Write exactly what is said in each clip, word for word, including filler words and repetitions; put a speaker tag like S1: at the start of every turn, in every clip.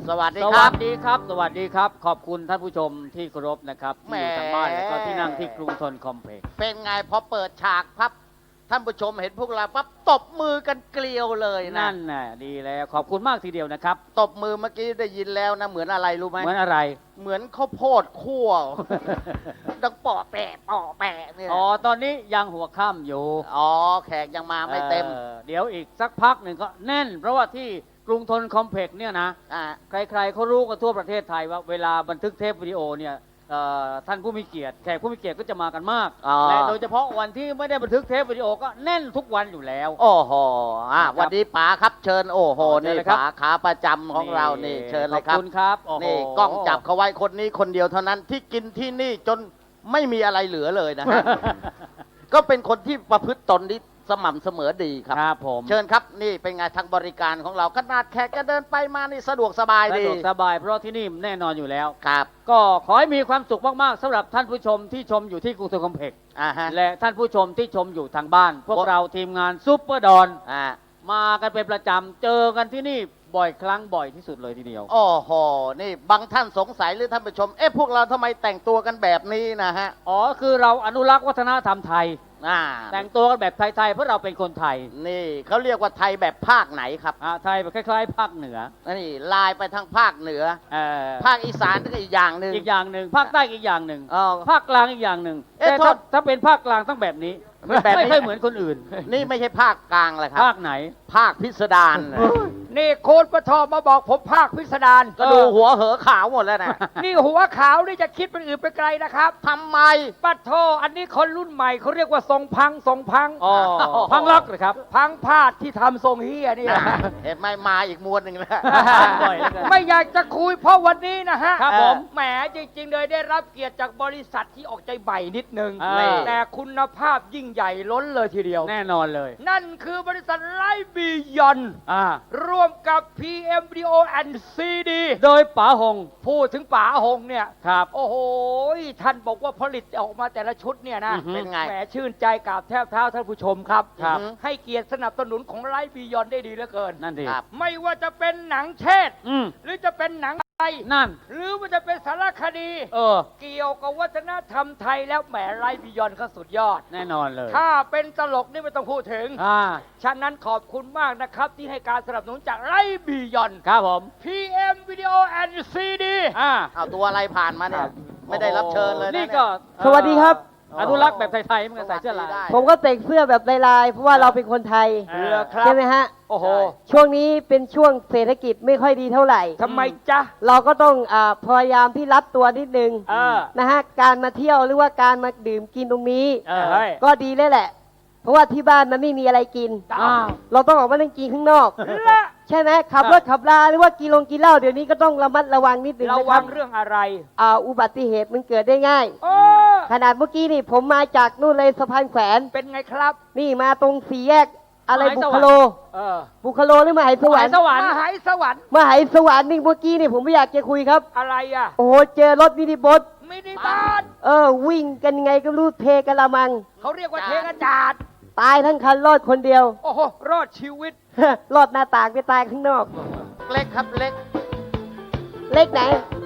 S1: สวัสดี
S2: ส
S1: ค
S2: วั
S1: รั
S2: ส
S1: บ
S2: ดีครับสวัสดีครับขอบคุณท่านผู้ชมที่เคารพนะครับที่อยู่ทางบ้านแล้วก็ที่นั่งที่กรุงทนคอมเพล็กซ์
S1: เป็นไงพอเปิดฉากพับท่านผู้ชมเห็นพวกเราปั๊บตบมือกันเกลียวเลยนะ
S2: นั่นน่ะดีแล้วขอบคุณมากทีเดียวนะครับ
S1: ตบมือเมื่อกี้ได้ยินแล้วนะเหมือนอะไรรู้ไหม
S2: เหมือนอะไร
S1: เหมือนข้าวโพดคั่ว ดังปอแปะปอแปะเนี่ย
S2: อ๋อตอนนี้ยังหัวค่ำอยู่
S1: อ๋อแขกยังมาไม่เต็ม
S2: ออเดี๋ยวอีกสักพักหนึ่งก็แน่น เพราะว่าที่กรุงทนคอมเพล็กซ์เนี่ยนะ
S1: อ่า
S2: ใครๆเขารู้กันทั่วประเทศไทยว่าเวลาบันทึกเทปวิดีโอเนี่ยเอ่อท่านผู้มีเกียรติแขกผู้มีเกียรติก็จะมากันมาก
S1: อ๋อ
S2: และโดยเฉพาะวันที่ไม่ได้บันทึกเทปวิดีโอก็แน่นทุกวันอยู่แล้ว
S1: โอ้โหอ่ะ
S2: ครับ
S1: วันนี้ป๋าครับเชิญโอ้โห
S2: อ๋อเชิญ
S1: นี่
S2: เลยครับ
S1: ป๋าขาประจำของเรานี่เชิญเลยค
S2: ข
S1: รั
S2: อบบ คุณครับโอ้โห
S1: นี่กล้องจับเขาไว้คนนี้คนเดียวเท่านั้นที่กินที่นี่จนไม่มีอะไรเหลือเลยนะฮะ ก็เป็นคนที่ประพฤติตนที่สม่ำเสมอดีครับ
S2: ครับผม
S1: เชิญครับนี่เป็นไงทางบริการของเราขนาดแขกจะเดินไปมานี่สะดวกสบาย
S2: สะ
S1: ดี
S2: ดวกสบายเพราะที่นี่แน่นอนอยู่แล้ว
S1: ครับ
S2: ก็ขอให้มีความสุขมากๆสำหรับท่านผู้ชมที่ชมอยู่ที่กรุงเทพคอมเพล็กซ์
S1: อ่าฮะ
S2: และท่านผู้ชมที่ชมอยู่ทางบ้าน พวกเราทีมงานซุปเปอร์ดอน
S1: อ่า
S2: มากันเป็นประจำเจอกันที่นี่บ่อยครั้งบ่อยที่สุดเลยทีเดียว
S1: โอ้โหนี่บางท่านสงสัยหรือท่านผู้ชมเอ๊ะพวกเราทำไมแต่งตัวกันแบบนี้นะฮะ
S2: อ๋อคือเราอนุรักษ์วัฒนธรรมไทย
S1: อ่า
S2: แต่งตัวกันแบบไทยๆเพราะเราเป็นคนไทย
S1: นี่เขาเรียกว่าไทยแบบภาคไหนครับ
S2: อ่าไทยแบบคล้ายๆภาคเหนือ
S1: นี่ลายไปทางภาคเหนือ
S2: เอ่อ
S1: ภาคอีสานก็อีกอย่างหนึ่ง
S2: อีกอย่างหนึ่งภาคใต้อีกอย่างหนึ่ง
S1: อ๋อ
S2: ภาคกลางอีกอย่างหนึ่ง
S1: เอ๊ะ
S2: แต่
S1: โท
S2: ถ้า
S1: ษ
S2: ถ้าเป็นภาคกลางต้องแบบนี้
S1: เป็นแบบนี้
S2: ไม่ค่อยเหมือนคนอื่น
S1: นี่ไม่ใช่ภาคกลางเลยครับ
S2: ภาคไหน
S1: ภาคพิสดารนะ
S3: นี่โค้ดปทอมาบอกผมภาคพิสดาร
S1: ก็ดูหัวเหอขาวหมดแล้วนะ
S3: นี่หัวขาวนี่จะคิดเป็นอื่นไปไกลนะครับ
S1: ทำไม
S3: ปัดโทอันนี้คนรุ่นใหม่เขาเรียกว่าทรงพังทรงพัง
S2: อ๋อพังลักเลยครับ
S3: พังพาดที่ทำทรงเฮียนี่นะ
S1: เห็นไหมมาอีกมวลหนึ่งแล้ว
S2: บ่อยเหลือเกิน
S3: ไม่อยากจะคุยเพราะวันนี้นะฮะ
S2: ครับผม
S3: แหมจริงๆเลยได้รับเกียรติจากบริษัทที่ออกใจใหม่นิดนึง
S2: อ่า
S3: แต่คุณภาพยิ่งใหญ่ล้นเลยทีเดียว
S2: แน่นอนเลย
S3: นั่นคือบริษัทไลฟ์บียอน
S2: อ่า
S3: ร่วมกับ พี เอ็ม Video and ซี ดี
S2: โดยป๋าหง
S3: พูดถึงป๋าหงเนี่ย
S2: ครับ
S3: โอ้โห ท่านบอกว่าผลิตออกมาแต่ละชุดเนี่ยนะ
S2: อือฮึ
S1: เป็นไง
S3: แหมชื่นใจกราบแทบเท้าท่านผู้ชมครับ
S2: ครับ
S3: ให้เกียรติสนับสนุนของไลฟ์บียอนได้ดีเหลือเกิน
S2: นั่นดี
S1: ครับ
S3: ไม่ว่าจะเป็นหนังเทศ
S2: อืม
S3: หรือจะเป็นหนังไทย
S2: นั่น
S3: หรือว่าจะเป็นสารคดี
S2: เออ
S3: เกี่ยวกับวัฒนธรรมไทยแล้วแหมไลฟ์บียอนเขาสุดยอด
S2: แน่นอนเลย
S3: ถ้าเป็นตลกนี่ไม่ต้องพูดถึง
S2: อ่า
S3: ฉะนั้นขอบคุณมากนะครับที่ให้การสนับสนุนจากไลฟ์บียอน
S2: ครับผม
S3: พี เอ็ม Video and ซี ดี
S2: อ่า
S1: เอาตัวอะไรผ่านมาเนี่ย ไม่ได้รับเชิญเลยะ
S2: นี่ก็
S1: เย
S4: สวัสดีครับ
S2: อนุรักษ์แบบไทยๆเหมันก็ใส่เสื้อลาย
S1: สวัสดีได้
S4: ผมก็แต่งเสื้อแบบลายๆเพราะว่าเราเป็นคนไทย
S2: เออ
S3: ครับ
S4: ใช่ไหมฮะ
S3: โอ้โห
S4: ช่วงนี้เป็นช่วงเศรษฐกิจไม่ค่อยดีเท่าไหร่
S3: ทำไมจ๊ะ
S4: เราก็ต้องอาพยายามที่รัดตัวนิดนึง
S3: เออ
S4: นะฮะการมาเที่ยวหรือว่าการมาดื่มกินตรงนี้
S2: เออ
S3: เฮ้ย
S4: ก็ดีเลยแหละ เพราะว่าที่บ้านมันไม่มีอะไรกิน
S2: อ้าว
S4: เราต้องออกมานั่งกินข้างนอก
S3: ละ
S4: ใช่ไหมขับรถขับลาหรือว่ากินลงกินเหล้าเดี๋ยวนี้ก็ต้องระมัดระวังนิดนึง
S3: ระ
S4: นะค
S3: วั
S4: รั
S3: ง
S4: บ
S3: เรื่องอะไร
S4: อ่าอุบัติเหตุมันเกิดได้ง่าย
S3: โอ้
S4: ขนาดเมื่อกี้นี่ผมมาจากนู่นเลยสะพานแขวน
S3: เป็นไงครับ
S4: นี่มาตรงสี่แยกอะไร
S2: มหา
S4: บุ
S2: สวรรค์
S4: คโล
S3: เออ
S4: บุคโลหรือมหาสวรรค์
S2: สวรรค์
S3: มหายสวรรค์
S4: มหาสวรรค์นี่เมื่อกี้นี่ผมไม่อยากจะคุยครับ
S3: อะไรอ่ะ
S4: โอ้โหเจอรถมินิบัส
S3: มินิบาส
S4: เออ วิ่งกันไงก็รู้เทกะละมัง
S3: เขาเรียกว่าเทกระจาด
S4: ตายทั้งคันรอดคนเดียว
S3: โอ้โห รอดชีวิต
S4: รอดหน้าต่างไปตายข้างนอก
S1: เล็กครับเล็ก
S4: เล็กไหน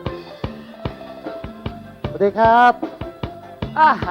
S5: สวัสดีครับ
S3: อ่า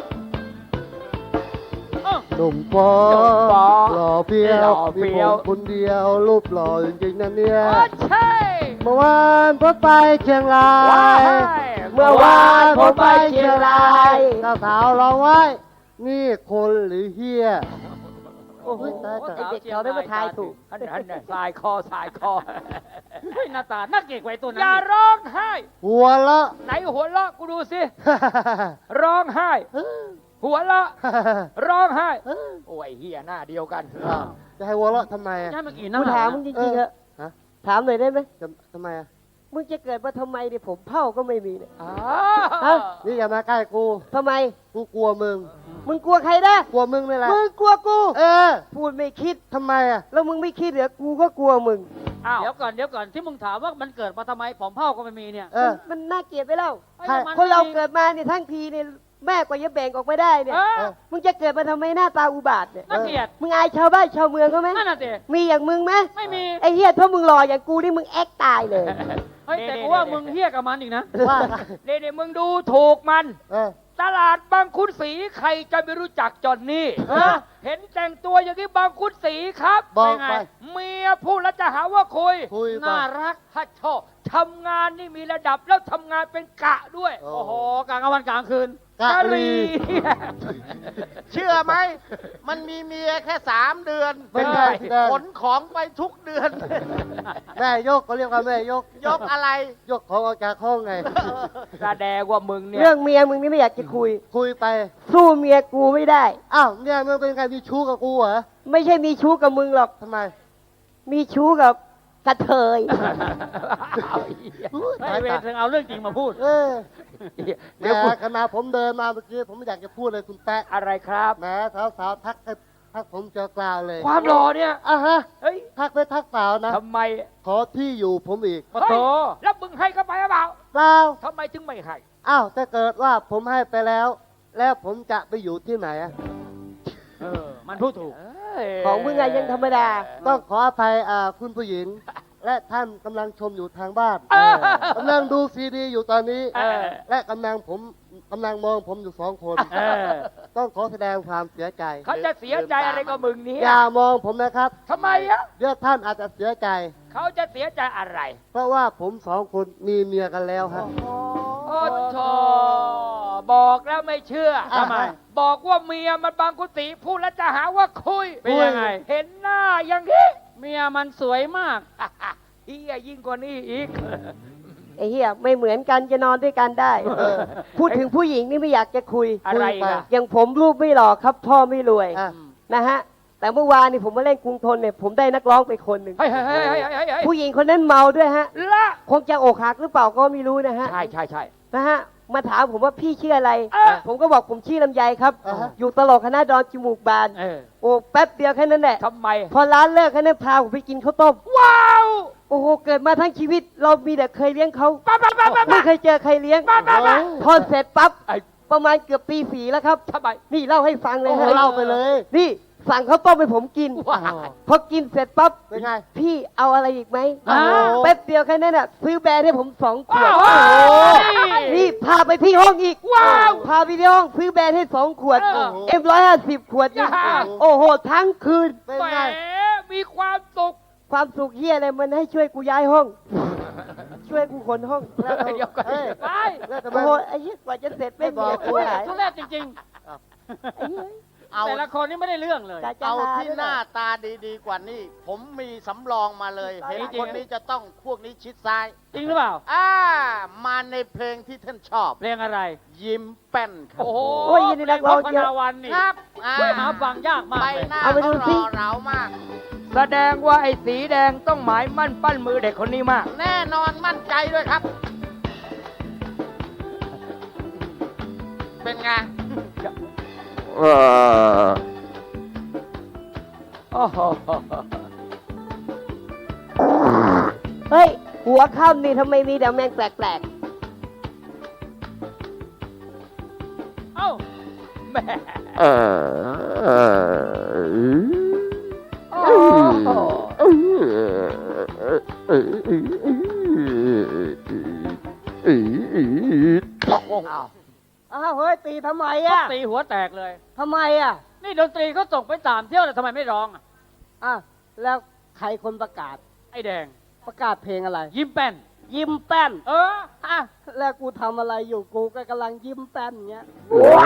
S5: หนุ่มฟอ
S3: หนุ่มฟ้อ
S5: หล่อเพีย
S3: หล่
S5: ว
S3: อเฟี้
S5: มีผ
S3: ยว
S5: มคนเดียวรูปหล่อจริงๆนั่นเนี่ย
S3: โอ้ใช่
S5: เมื่อวานผมไปเชียงรา
S3: ว้าย ย
S4: เมื่อวานผมไปเชียงราย
S5: สาวๆร้องไว้นี่คนหรือเฮีย
S4: โอ้โห
S5: ตายตาย
S4: เด็กเขาได้มาทายถูก
S3: อันนั้นน่ะสายคอสายคอ
S2: เฮ้ยหน้าตาน่าเกลียดไว้ตัวนั้
S3: อย่าน ร้องไห้
S5: หัวละ
S3: ไหนหัวเราะกูดูสิ ร้องไห้ หัวเราะ ร้องไห้ โอ้ยเฮียหน้าเดียวกัน
S5: อ้าวจะให้หัวละทำไมอะ
S2: ใช่เมื่อกี้
S4: กู
S2: น้ำ
S4: ถามมึงจริงๆเหรอะ
S5: ฮะ
S4: ถามหน่อยได้ไหม
S5: จะทำไมอะ
S4: มึงจะเกิดมาทำไมเนี่ยผมเผ่าก็ไม่มีเนี่ย
S3: อ้า
S4: ฮะ
S5: นี่อย่ามาใกล้กู
S4: ทำไม
S5: กูกลัวมึง
S4: มึงกลัวใครนะ
S5: กลัวมึงนี่แหละ
S4: มึงกลัวกู
S5: เออ
S4: พูดไม่คิด
S5: ทำไมอะ
S4: แล้วมึงไม่คิดเหรอกูก็กลัวมึง
S3: อ้าว
S2: เดี๋ยวก่อนเดี๋ยวก่อนที่มึงถามว่ามันเกิดมาทำไมผมเผ่าก็ไม่มีเนี่ย
S5: เออ
S4: มันน่าเกลียดไปแล้ว
S2: ไอ้มัน
S4: คนเรา
S2: ไม่มี
S4: เกิดมาเนี่ยทั้งทีเนี่ยแม่กว่าจะแบ่งออกมาได้เนี่ย
S2: เออ
S4: มึงจะเกิดมาทำไมหน้าตาอุบาทเนี่ย
S2: น่าเกลียด
S4: มึงอายชาวบ้านชาวเมืองเขาไหม
S2: นั่นน่ะสิ
S4: มีอย่างมึงไหม
S2: ไม่มี
S4: ไอ้เหี้ยถ้ามึงหล่ออย่างกูนี่มึงแอคตายเลย
S2: เฮ้ยแต่กูว่ามึงเฮี้ยกับมันอีกนะ
S5: ว่า
S3: เดี๋ยวมึงดูถูกมัน
S5: เออ
S3: ตลาดบางขุนศรีใครจะไม่รู้จักจอนนี่
S2: ฮะ
S3: เห็นแต่งตัวอย่างนี้บางขุนศรีครับ
S5: บอก
S3: เป็นไง
S5: ไป
S3: เมียพูดแล้วจะหาว่าคุย
S5: คุยไป
S3: น่ารักฮัทโชทำงานนี่มีระดับแล้วทำงานเป็นกะด้วย
S5: โอ้
S2: โอ้โหกลางวันกลางคืน
S5: กะลี
S1: เชื่อไหม มันมีเมียแค่สามเดือน
S5: เป็นไงแสดง
S1: ขนของไปทุกเดือน
S5: แม่ยกเขาเรียกว่าแม่ยก
S1: ยกอะไร
S5: ยกของออกจากห้องไง
S3: แสดงว่ามึงเนี่ย
S4: เรื่องเมียมึงนี่ไม่อยากจะคุย
S5: คุยไป
S4: สู้เมียกูไม่ได้
S5: อ้าวเนี่ยมึงเป็นใครมีชู้กับกูเหรอ
S4: ไม่ใช่มีชู้กับมึงหรอก
S5: ทำไม
S4: มีชู้กับกระเทย
S5: อุ๊ย
S2: ไม่เวทถึงเอาเรื่องจริงมาพูด
S5: เออ
S3: เดี๋
S5: เดี๋
S3: ย
S5: ยว ว
S3: กู
S5: ขณะผมเดินมาเมื่อกี้ผมไม่อยากจะพูดเลยคุณแป๊ะ
S3: อะไรครับ
S5: แหมสาวๆทักให้ทักผมเจอกล่าวเลย
S3: ความหล่อเนี่ย
S5: อ่ะฮะ
S3: เฮ้ย
S5: ทักไปทักเปล่านะ
S3: ทำไม
S5: ขอที่อยู่ผมอีก
S3: เฮ้ยแล้วมึงให้เขาไปหรือเปล่า
S5: เปล่า
S3: ทำไมถึงไม่ให้
S5: อ้าวถ้าเกิดว่าผมให้ไปแล้ว แล้วผมจะไปอยู่ที่ไหนอะ
S2: เออ มันพูดถูก
S4: ของมึงอะยังธรรมดา
S5: ต้องขออภัยอ่าคุณผู้หญิง และท่านกำลังชมอยู่ทางบ้าน
S3: เออ
S5: กำลังดูซีดีอยู่ตอนนี้
S3: เออ
S5: และกำลังผมกำลังมองผมอยู่สองคน
S2: เออ
S5: ต้องขอแสดงความเสียใจ
S3: เขาจะเสียใจอะไรกับมึงเนี่ย
S5: อย่ามองผมนะครับ
S3: ทำไมอ่ะ
S5: เดี๋ยวท่านอาจจะเสียใจ
S3: เขาจะเสียใจอะไร
S5: เพราะว่าผมสองคนมีเมียกันแล้วฮะ
S3: โอ้โธ่บอกแล้วไม่เชื่อ
S5: ทำไม
S3: บอกว่าเมียมันบางกุฏิพูดแล้วจะหาว่าคุย
S2: เป็นยังไง
S3: เห็นหน้าอย่างนี้
S2: เมียมันสวยมาก
S3: เฮียยิ่งกว่านี้อีก
S4: ไอ้เหี้ยไม่เหมือนกันจะนอนด้วยกันได้ พูดถึงผู้หญิงนี่ไม่อยากจะคุย
S3: อะไร
S5: คุยไป
S3: กัน
S4: อย่างผมรูปไม่หล่อครับ พ่อไม่รวย
S5: อ่ะ
S4: นะฮะ แต่เมื่อวานนี่ผมมาเล่นกรุงทนเนี่ยผมได้นักร้องไปคนหนึ่ง
S3: เฮ้ยเฮ้ยเฮ้ยเฮ้ยเฮ้ยเฮ้ย
S4: ผู้หญิงคนนั้นเมาด้วยฮะ
S3: ละ
S4: คงจะอกหักหรือเปล่าก็ไม่รู้นะฮะ
S3: ใช่ใช่ใช่
S4: นะฮะ มาถามผมว่าพี่ชื่ออะไร
S3: เออ
S4: ผมก็บอกผมชื่อลำไยครับ
S5: อ่าฮะ
S4: อยู่ตลกคณะดอนจมูกบาน
S2: เออ
S4: โอ้แป๊บเดียวแค่นั้นแหละ
S3: ทำไม
S4: พอร้านเลิกแค่นั้นพาผมไปกินข้าวต้ม
S3: ว้าว
S4: โอ้โห เกิดมาทั้งชีวิต เรามีแต่เคยเลี้ยงเขา
S3: ป้าป้าป้าป้า
S4: ไม่เคยเจอใครเลี้ยง
S3: ป้าป้าป้า
S4: พอเสร็จปั๊บ
S3: ไอ้
S4: ประมาณเกือบปีฝีแล้วครับ
S3: ทำไม
S4: นี่เล่าให้ฟังเลย
S5: โอ้โห
S4: ฮะ
S5: เล่าไปเลย
S4: นี่สั่งข้าวต้มให้ผมกิน
S3: ว้าว
S4: พอกินเสร็จปั๊บ
S5: เป็นไง
S4: พี่เอาอะไรอีกไหม
S2: อ่า
S4: แป๊บเดียวแค่นั้นอ่ะซื้อแบรนด์ให้ผมสองขวด
S3: ว้าว
S4: นี่พาไปที่ห้องอีก
S3: ว้าว
S4: พาไปที่ห้องซื้อแบรนด์ให้สองขวด
S3: เออ
S4: เอ็มร้อยห้าสิบขวดนี่
S3: อย่า
S4: โอ้โห ทั้งคืน
S5: เป็น
S3: แหม
S5: ไง
S3: มีความสุข
S4: ความสุขเฮียอะไรมันให้ช่วยกูย้ายห้อง ช่วยกูขนห้อง
S5: แล้วเอา
S3: เดี๋ยวก่อน
S5: เอ้ย
S3: ไป
S5: แล้วทำไม
S4: โอ้โหไอ้เหี้ยกว่าจะเสร็จไม่
S5: ไม่
S4: มี
S5: บอกกู
S4: กูหาย
S2: ทุเรศจริง
S4: ไอ้เหี้ย
S2: ๆ
S1: เอา
S2: แต่ละคนนี่ไม่ได้เรื่องเลย
S4: จะจะ
S1: เอา
S4: ห
S1: ที่
S4: ด้วย
S1: หน้าตาดีๆกว่านี้ ผมมีสำรองมาเลย เห็นคนนี้จะต้องพวกนี้ชิดซ้าย
S2: จริงหรือเปล่า
S1: อ่า มาในเพลงที่ท่านชอบ
S2: เพลงอะไร
S1: ยิ้มแป้นครับ
S2: โอ้โห
S4: โอ้ยยินดีนักร้อง
S2: พ
S4: เยอะ
S2: นาวันนี่
S1: ครับอ่า
S2: หาฟังยากมาก
S1: ใบ
S2: เลย
S1: หน้า
S4: เอาไปดู
S1: เขาร
S4: สิ
S1: อเรามาก
S3: แสดงว่าไอ้สีแดงต้องหมายมั่นปั้นมือเด็กคนนี้มาก
S1: แน่นอนมั่นใจด้วยครับ เป็นไง
S3: โอ้โห
S4: เฮ้ย หัวค่ำนี่ทำไมมีแต่แมงแปลก
S2: เอ้า
S3: แม่
S4: ๆ
S3: โอ้โห
S4: อ้าวเฮ้ย ตีทำไม
S2: ก็
S4: อ่ะ
S2: ตีหัวแตกเลย
S4: ทำไมอ่ะ
S2: นี่ดนตรีเขาส่งไปสามเที่ยวแต่ทำไมไม่ร้องอ่ะ
S4: อ่ะแล้วใครคนประกาศ
S2: ไอ้แดง
S4: ประกาศเพลงอะไร
S2: ยิ้มแป้น
S4: ยิ้มแป้น
S2: เออ
S4: อ่ะแล้วกูทำอะไรอยู่กูก็กำลังยิ้มแป้นเงี้ย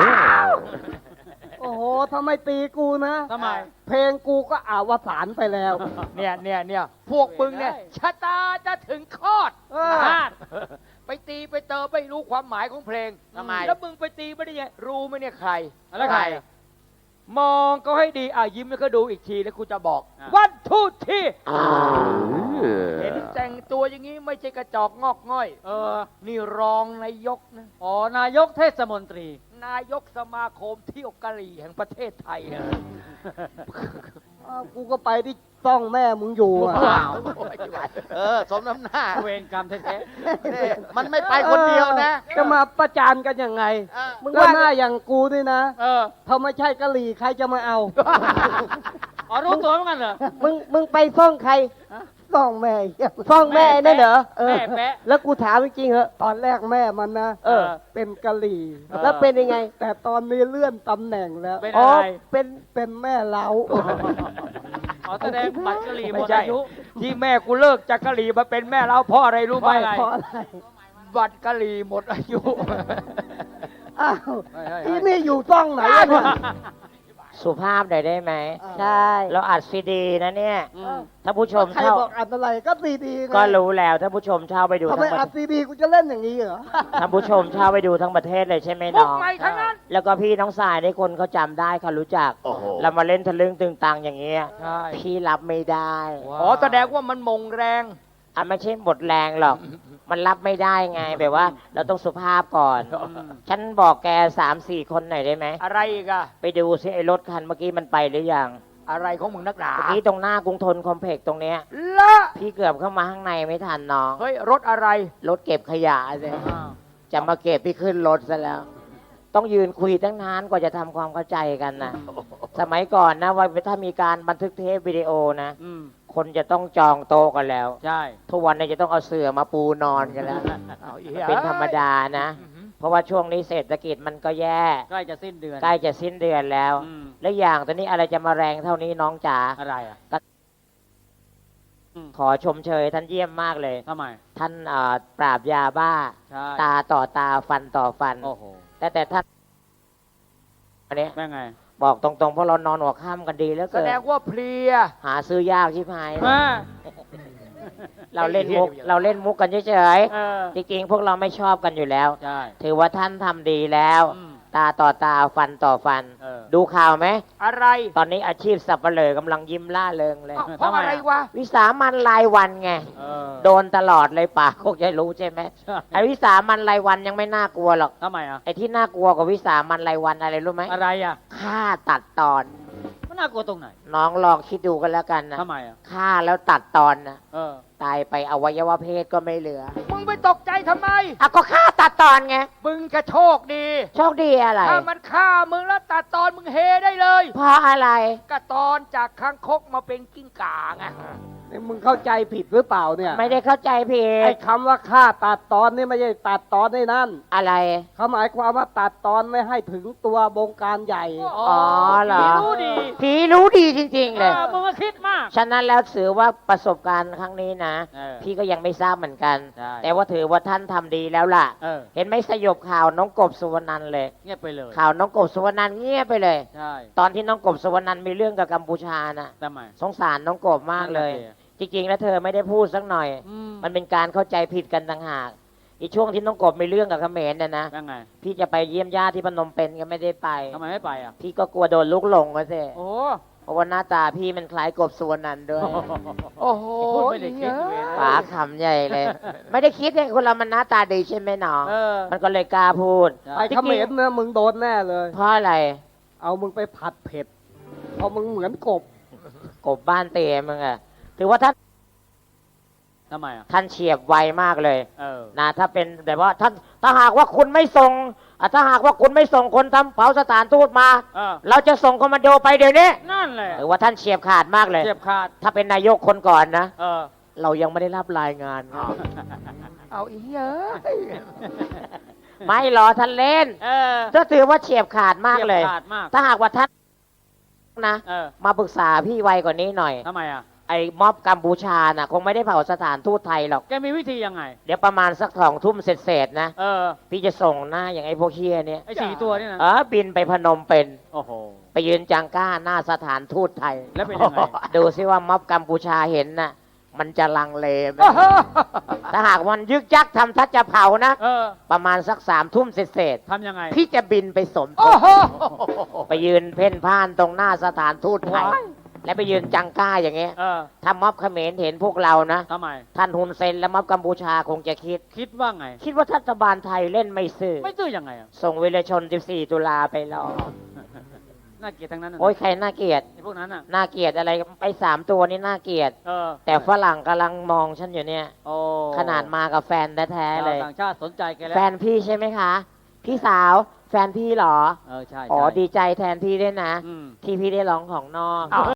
S4: โอ้โหทำไมตีกูนะ
S2: ทำไม
S4: เพลงกูก็อาวสานไปแล้ว
S3: เนี่ยเนี่ยเนี่ยพวกมึงเนี่ยชะตาจะถึงคลอด
S4: เออ
S3: พลาดไปตีไปเติมไม่รู้ความหมายของเพลง
S1: ทำไม
S3: แล้วมึงไปตีไม่ได้ยังรู้ไหมเนี่ยใคร
S2: แล้วใคร
S3: มองก็ให้ดีอ่ะยิ้มแล้วก็ดูอีกทีแล้วกูจะบอก
S2: อ่ะ
S3: วันทูที่เห็นแต่งตัวอย่างนี้ไม่ใช่กระจอกงอกง่อย
S2: เออ
S3: นี่รองนายกนะ
S2: อ๋อนายกเทศมนตรี
S3: นายกสมาคมเที่ยวกะหรี่แห่งประเทศไทยนะ
S4: อ้าวกูก็ไปที่ส
S5: ซ่องแม่มึงอยู่อะ
S2: ว้าว
S1: เออ สมน้ำหน้า
S2: เวรกรรมแท้
S1: นี่มันไม่ไปคนเดียวนะ
S5: เออจะมาประจานกันยังไง
S1: เออ
S5: มึงว่าหน้าอย่างกูนี่นะ
S2: ๆเออ
S5: ถ้าไม่ใช่กะหรี่ใครจะมาเอา
S2: อ๋อรู้ตัวเหมือนกันเหรอ
S4: มึงมึงไปฟ้องใคร
S5: ซ่องแม่เหี้ย
S4: ฟ้องแม่นั่นเหรอ
S5: เออ
S2: แม่แปะ
S4: แล้วกูถามจริงๆเหอะ
S5: ตอนแรกแม่มันนะ
S2: เออ
S5: เป็นกะหรี่
S4: แล้วเป็นยังไง
S5: แต่ตอนนี้เลื่อนตำแหน่งแล้ว
S2: เป็น
S4: อ๋อ
S2: อะไร
S4: เป็น
S5: เป็นแม่เล้า
S2: อ๋อแสดงบัตรกะหรี่หม
S3: ไม่
S2: ด
S3: ใช่
S2: อายุ
S3: ที่แม่กูเลิกจากกะหรี่มาเป็นแม่เราเพราะอะไรรู้ไหม
S2: เพราะอะไร
S5: เพราะอะไร
S3: บัตรกะหรี่หมดอายุ
S5: อ้าว
S2: เฮ้ยเฮ้ย
S5: อีนี่อยู่ซ่องไหนอะเนี่ย
S6: สุภาพหน่อยได้ไหม
S4: ใช่
S6: เราอัดซีดีนะเนี่ย
S2: อืม
S6: ถ้าผู้ชม
S5: ใคร
S6: เช่า
S5: บอกอัดอะไรก็ซีดีไง
S6: ก็รู้แล้วถ้าผู้ชมเช่าไปดู
S5: ทำ
S6: ทั้
S5: ไม
S6: งประ
S5: อัดซีดีกูจะเล่นอย่างนี้เหรอ
S6: ถ้าผู้ชมเช่าไปดูทั้งประเทศเลยใช่ไหม
S3: มุ
S6: น้
S3: ก
S6: อง
S3: ใหม่ทั้งนั้น
S6: แล้วก็พี่น้องสายได้คนเขาจำได้เขารู้จัก
S1: โอ้โห
S6: เรามาเล่นทะลึ่งตึงตังอย่างเงี้ย
S3: ใช่
S6: พี่รับไม่ได้
S3: อ๋อแสดงว่ามันมงแรง
S6: อ่ะไม่ใช่หมดแรงหรอก มันรับไม่ได้ไงแบบว่า เราต้องสุภาพก่อน ฉันบอกแกสามสี่คนหน่อยได้ไหม
S3: อะไรอีกอะ
S6: ไปดูซิไอ้รถคันเมื่อกี้มันไปหรือยัง
S3: อะไรของมึงนักหนา
S6: เมื่อกี้ตรงหน้ากรุงทนคอมเพล็กซ์ตรงเนี้ย
S3: ละ
S6: พี่เกือบเข้ามาข้างในไม่ทันน้อง
S3: เฮ้ยรถอะไร
S6: รถเก็บขยะเลย
S2: อ้าว
S6: จะมาเก็บพี่ขึ้นรถซะแล้ว ต้องยืนคุยตั้งนานกว่าจะทำความเข้าใจกันนะสมัยก่อนนะว่าถ้ามีการบันทึกเทปวิดีโอนะ
S2: อืม
S6: คนจะต้องจองโต๊ะกันแล้ว
S2: ใช่
S6: ทุกวันนี้จะต้องเอาเสื่อมาปูนอนกันแล้ว
S3: เอาอีก
S6: เป็นธรรมดานะ
S3: อื้อหือ
S6: เพราะว่าช่วงนี้เศรษฐกิจมันก็แย่
S2: ใกล้จะสิ้นเดือน
S6: ใกล้จะสิ้นเดือนแล้ว
S2: อืม
S6: และอย่างตอนนี้อะไรจะมาแรงเท่านี้น้องจ๋า
S2: อะไรอ่ะอืม
S6: ขอชมเชยท่านเยี่ยมมากเลย
S2: ทำไม
S6: ท่านเอ่อปราบยาบ้า
S2: ใช่
S6: ตาต่อตาฟันต่อฟัน
S2: โอ้โห
S6: แต่แต่ท่านอันนี้
S2: แม่ไง
S6: บอกตรงๆเพราะเรานอนหัวค่ำกันดีแล้ว
S3: แส
S6: เกิน
S3: ดงว่าเพลีย
S6: หาซื้อยากชิบหาย
S2: มา
S6: เราเล่นมุก เราเล่นมุกกันเฉย
S2: เออ
S6: ๆจริงๆพวกเราไม่ชอบกันอยู่แล้ว
S2: ใช่
S6: ถือว่าท่านทำดีแล้ว
S2: อืม
S6: ตาต่อตาฟันต่อฟัน
S2: เออ
S6: ดูข่าวไหม
S3: อะไร
S6: ตอนนี้อาชีพสับเปลือกำลังยิ้มล่าเริงเลย
S3: อ้าวเพราะอะไรวะ
S6: วิสามันรายวันไง
S2: เออ
S6: โดนตลอดเลยป่าคงจะรู้ใช่ไหม
S2: ใช่
S6: ไอ้วิสามันรายวันยังไม่น่ากลัวหรอก
S2: ทำไมอ่ะ
S6: ไอ้ที่น่ากลัวกว่าวิสามันรายวันอะไรรู้ไหม
S2: อะไรอ่ะ
S6: ฆ่าตัดตอน
S2: มันน่ากลัวตรงไหน
S6: น้องลองคิดดูกันแล้วกันนะ
S2: ทำไมอ่ะ
S6: ฆ่าแล้วตัดตอนนะ
S2: เออ
S6: ตายไปอวัยวะเพศก็ไม่เหลือ
S3: มึงไปตกใจทำไม
S6: อ่ะก็ฆ่าตัดตอนไง
S3: มึงจะโชคดี
S6: โชคดีอะไร
S3: ถ้ามันฆ่ามึงแล้วตัดตอนมึงเฮได้เลย
S6: เพราะอะไร
S3: ก็ตอนจากคางคกมาเป็นกิ้งก่าไง
S5: นี่มึงเข้าใจผิดหรือเปล่าเนี่ย
S6: ไม่ได้เข้าใจผิ
S5: ไอ้
S6: ด
S5: คำว่าฆ่าตัดตอนนี่ไม่ใช่ตัดตอนในนั่น
S6: อะไร
S5: เขาหมายความว่าตัดตอนไม่ให้ถึงตัวบงการใหญ่
S6: อ๋อเหรอ
S2: ผีรู้ดี
S6: ผีรู้ดีจริง ๆ เลย
S2: เออมึงก็คิดมาก
S6: ฉะนั้นแล้วถือว่าประสบการณ์ครั้งนี้นะ
S2: เออ
S6: พี่ก็ยังไม่ทราบเหมือนกัน
S2: ใช่
S6: แต่ว่าถือว่าท่านทำดีแล้วล่ะ
S2: เออ
S6: เห็นไหมสยบข่าวน้องกบสุวรรณันท์เลย
S2: เงียบไปเลย
S6: ข่าวน้องกบสุวรรณันท์เงียบไปเลย
S2: ใช่
S6: ตอนที่น้องกบสุวรรณันท์มีเรื่องกับกัมพูชานะ
S2: ทำไม
S6: สงสารน้องกบมากเลย
S2: นั่นน่ะ
S6: จริงๆแล้วเธอไม่ได้พูดสักหน่อย
S2: อืม
S6: มันเป็นการเข้าใจผิดกันต่างหากอีช่วงที่น้องกบมีเรื่องกับเขมรเนี่ยนะ
S2: ยังไง
S6: พี่จะไปเยี่ยมญาติที่พนมเปญก็ไม่ได้ไป
S2: ทำไมไม่ไปอ่ะ
S6: พี่ก็กลัวโดนลุกหลงมาสิ
S2: โอ้
S6: เพราะว่าหน้าตาพี่มันคล้ายกบสุวรรณันท์ด้วย
S3: โอ้โห
S2: พูดไม่ได้คิดเว้ย
S6: ป๋าขำใหญ่เลย ไม่ได้คิดเลยคนเรามันหน้าตาดีใช่ไหมน้อง
S2: เออ
S6: มันก็เลยกล้าพูด
S2: ใช่
S5: ไปเขมรเนี่ยมึงโดนแน่เลย
S6: เพราะอะไร
S5: เอามึงไปผัดเผ็ดเพราะมึงเหมือนกบ
S6: กบบ้านเตะมึงอะถือว่าท่าน
S2: ทำไมอ่ะ
S6: ท่านเฉียบไวมากเลย
S2: เออ
S6: นะถ้าเป็นแบบว่าท่านถ้าหากว่าคุณไม่ส่งอ่ะถ้าหากว่าคุณไม่ส่งคนทำเผาสถานทูตมา
S2: เออ
S6: เราจะส่งคอมมานโดไปเดี๋ยวนี้
S2: นั่นแหละ
S6: ถือว่าท่านเฉียบขาดมากเลย
S2: เจ็บขาด
S6: ถ้าเป็นนายกคนก่อนนะ
S2: เออ
S6: เรายังไม่ได้รับรายงาน
S3: เอาอีเอ้ย
S6: ไม่รอท่านเล่น
S2: เออ
S6: ก็ถือว่าเฉียบขาดมากเลย
S2: จ็บขาดมาก
S6: ถ้าหากว่าท่านนะ
S2: เออ
S6: มาปรึกษาพี่ไวกว่านี้หน่อย
S2: ทำไมอ่ะ
S6: ไอ้ม็อบกัมพูชาน่ะ คงไม่ได้เผาสถานทูตไทยหรอก
S2: แกมีวิธียังไง
S6: เดี๋ยวประมาณสักสองทุ่มเสร็จๆนะ
S2: เออ
S6: พี่จะส่งหน้าอย่างไอ้พวกเฮียเนี่ย
S2: ไอ้สี่ตัวนี่นะ
S6: เออบินไปพนมเป็น
S2: โอ้โห
S6: ไปยืนจังก้าหน้าสถานทูตไทย
S2: แล้วเป็นยังไง
S6: ดูซิว่าม็อบกัมพูชาเห็นน่ะ มันจะลังเลไหมถ้าหากมันยึกยักทำทัดจะเผานะ
S2: เออ
S6: ประมาณสักสามทุ่มเสร็จ
S2: ทำยังไง
S6: ๆพี่จะบินไปสมท
S3: โอ้
S6: บ
S3: โห
S6: ไปยืนเพ่นพ่านตรงหน้าสถานทูตไทย
S2: ว้าย
S6: และไปยืนจังก้าอย่างเงี้ย
S2: เออ
S6: ถ้าม็อบเขมรเห็นพวกเรานะ
S2: ทำไม
S6: ท่านฮุนเซนและม็อบกัมพูชาคงจะคิด
S2: คิดว่าไง
S6: คิดว่ารัฐบาลไทยเล่นไม่ซื่อ
S2: ไม่ตื้อยังไงอ่ะ
S6: ส่งวิรชน สิบสี่ ตุลาไปรอ
S2: น่าน่าเกลียดทั้งนั้นน่ะ
S6: โอ้ยใครน่าเกลียด
S2: ไอ้พวกนั้นอ่ะ
S6: น่าเกลียดอะไรไปสามตัวนี่น่าเกลียด
S2: เออ
S6: แต่ฝรั่งกำลังมองฉันอยู่เนี่ย
S2: โอ้
S6: ขนาดมากับแฟนแท้ๆเลย
S2: ชาวต่างชาติสนใจแกแล้ว
S6: แฟนพี่ใช่ไหมคะ พี่สาว แฟนพี่เหรอ
S2: เออใช่
S6: อ๋อ
S2: ใช่
S6: ดีใจแทนพี่ด้วยนะ
S2: อืม
S6: ที่พี่ได้ร้องของนอก